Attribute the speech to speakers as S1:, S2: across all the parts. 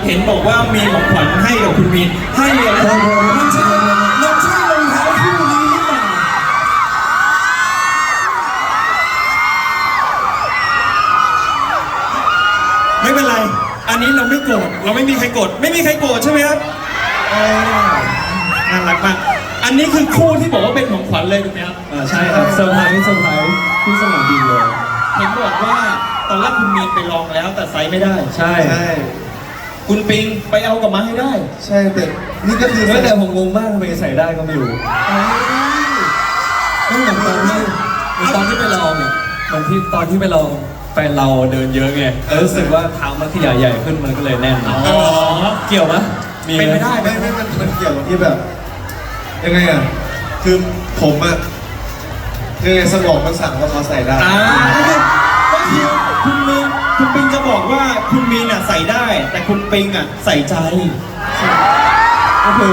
S1: เห็นบอกว่ามีของขวัญให้กับคุณมีนให้อะไรมันใช่รองเท้าคู่นี้หรือเปล่าไม่เป็นไรอันนี้เราไม่โกรธเราไม่มีใครโกรธไม่มีใครโกรธใช่ไหมครับน่ารักมากอันนี้คือคู่ที่บอกว่าเป็นของขวัญเลยถูกไหมครับ
S2: ใช่ครับเซอร์ไพรส์ที่สนามบินเลย
S1: เห็นบอกว่าตอนแรกคุณมีนไปลองแล้วแต่ไซส์ไม่ได้
S2: ใช่
S1: คุณปิงไปเอากลับมาให้ได้
S2: ใช่แต่นี่ก็คือแต่ผมงงมากทำไมใส่ได้ก็ไม่รู้ไม่เหมือนตอนที่ไปลองเนี่ยตอนที่ไปลองแฟนเราเดินเยอะไงรู้สึกว่าเท้ามันขยายใหญ่ขึ้นมันก็เลยแน่นเกี่ยวไหม
S1: เป็นไม่ได้
S2: ไม่มันเกี่ยวกับที่แบบยังไงอ่ะคือผมอ่ะคือสมองมันสั่งว่าเขาใส่ได้
S1: ก็คือคุณปิงจะบอกว่าคุณมีนอ่ะใส่ได้แต่คุณปิงอ่ะใส่ใจ
S2: ก็คือ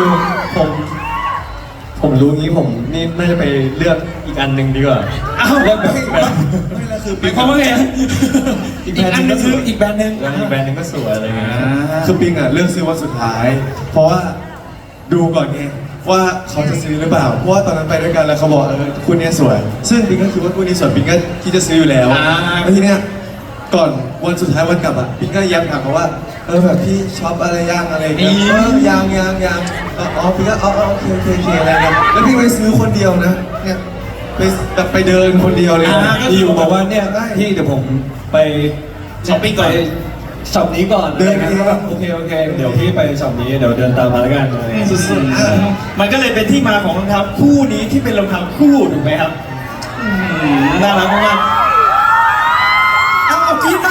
S2: ผมรู้งี้ผมนี่น่าจะไปเลือกอีกอันหนึ่งดีกว่า
S1: เลือกแบบ
S2: ไม่แล้วคือ
S1: ปิงเขาว่าไงอีกอันนึงคืออีกแบรนด์นึง
S2: ก็สวยอะไรเงี้ยคือปิงอ่ะเลือกซื้อวันสุดท้ายเพราะว่าดูก่อนไงว่าเขาจะซื้อหรือเปล่าเพราะว่าตอนนั้นไปด้วยกันแล้วเขาบอกคู่นี้สวยซึ่งปิงก็คิดว่าคู่นี้สวยปิงก็ที่จะซื้ออยู่แล้วแล้วทีเนี้ยก่อนวันสุดท้ายวันกลับอ่ะปิงก็ย้ำถามเขาว่าแบบพี่ช็อปอะไรย่างอะไรเงี้ยยังอ๋อปิงก็โอเคอะไรเงี้ยแล้วพี่ไปซื้อคนเดียวนะเนี่ยไปเดินคนเดียวเลยที่อยู่บอกว่าเนี่ยพี่เดี๋ยวผมไป
S1: ช้อปปิ้งก่อน
S2: ช็อปนี้ก่อนเดินนี้ก็แบบโอเคเดี๋ยวพี่ไปช็อปนี้เดี๋ยวเดินตามมาแล้วกัน
S1: สุดๆมันก็เลยเป็นที่มาของรองเท้าคู่นี้ที่เป็นรองเท้าคู่ถูกไหมครับน่ารักมากเอาคิดมา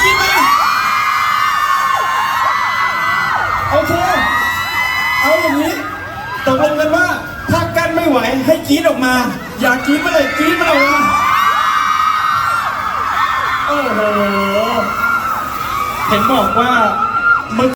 S1: โอเคเอาอย่างนี้ตกลงกันว่าถ้ากั้นไม่ไหวให้กรี๊ดออกมาอยากกรี๊ดมาเลยกรี๊ดมาเลยโอ้โหเห็นบอกว่า